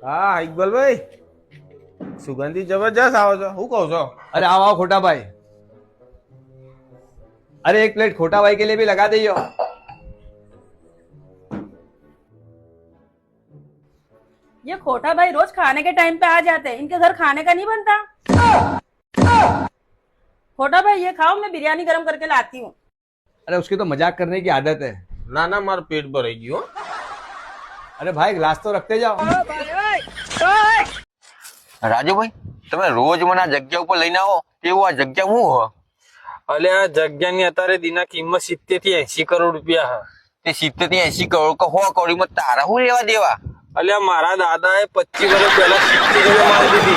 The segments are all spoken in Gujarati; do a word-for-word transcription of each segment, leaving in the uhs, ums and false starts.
હા ઇકબાલભાઈ, સુગંધી જબરજસ્ત આવો છો. શું કહો છો? अरे आओ आओ खोटा भाई. अरे एक प्लेट खोटा भाई के लिए भी लगा दीजिए. ये खोटा भाई रोज खाने के टाइम पे आ जाते हैं, इनके घर खाने का नहीं बनता. खोटा भाई ये खाओ, मैं बिरयानी गरम करके लाती हूँ. अरे उसकी तो मजाक करने की आदत है. ના ના મારું પેટ ભરાઈ ગયું હો. अरे भाई ग्लास तो रखते जाओ. રાજુભાઈ, તમે રોજ મને આ જગ્યા ઉપર લઈને આવો, એવું આ જગ્યા હું હો? અલે આ જગ્યાની અત્યારે દીના કિંમત સિત્તેર થી એસી કરોડ રૂપિયા હા. તે સિત્તેર થી એસી કરોડ કે સો કરોડમાં તારા શું લેવા દેવા? અલ્યા મારા દાદા એ પચીસ વર્ષ પહેલા સિત્તેર કરોડ મારી દીધી.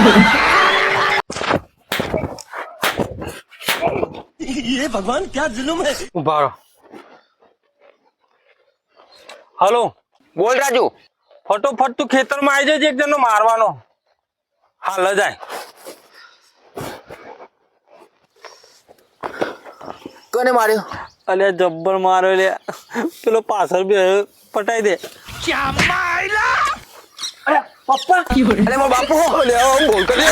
ये भगवान क्या जुल्म है. ઉભા રહો. હલો, બોલ રાજુ. ફટોફટ તું ખેતરમાં આવી જજે, એક જણનો મારવાનો. હાલ જાય. કોને માર્યો? અલ્યા જબ્બર માર્યો લે, પેલો પાછળ બે પટાઈ દે. અરે પપ્પા, અરે મારો બાપુ. અલ્યા આમ બોલતો લે.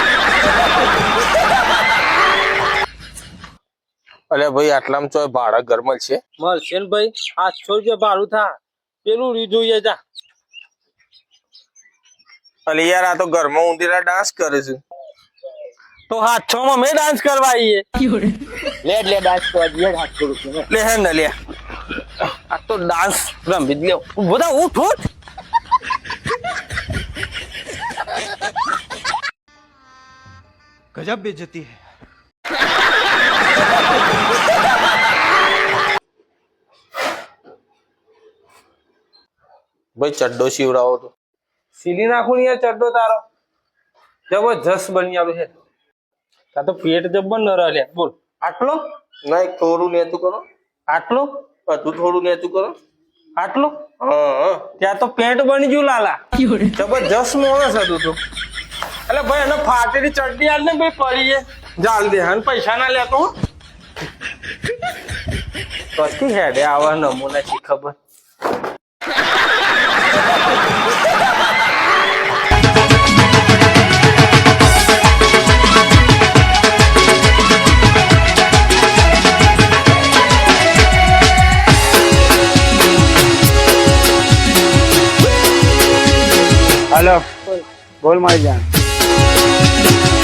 અલ્યા ભાઈ આટલામાં ચોય ભાડા ઘરમાં છે. મળશે ને ભાઈ, આઠસો રૂપિયા ભાડું થા. પેલું રી જોઈએ જા. અલે યાર આ તો ઘરમાં ઊંધીરા ડાન્સ કરે છે. તો આઠસો માં મેં ડાન્સ કરવા આવીએ. લે લે ડાન્સ કરવા દે આઠસો રૂપિયા. લે હે ને લે, આ તો ડાન્સ રમી જ લે. બધા ઉઠ ઉઠ. गजब बेइज्जती है. ભાઈ ચડ્ડો શીવડાવો તો. સીલી નાખું ને યાર ચડ્ડો તારો. જબરજસ્ત બની આવ્યો છે. તા તો પેટ જબ્બર ન રહે. બોલ આટલો ના એક થોડું નેતું કરો. આટલો બધું થોડું નેતું કરો. આટલો હા હા ત્યાં તો પેન્ટ બની ગયું લાલા. જબરજસ્ત મોણસ હતું તું. એટલે ભાઈ એને ફાટેલી ચડ્ડી આલ ને ભાઈ પડી છે. જાલ દે અને પૈસા ના લેતો હો. કથી હેડે આવા નમૂના છે ખબર. हेलो बोल मारी जान.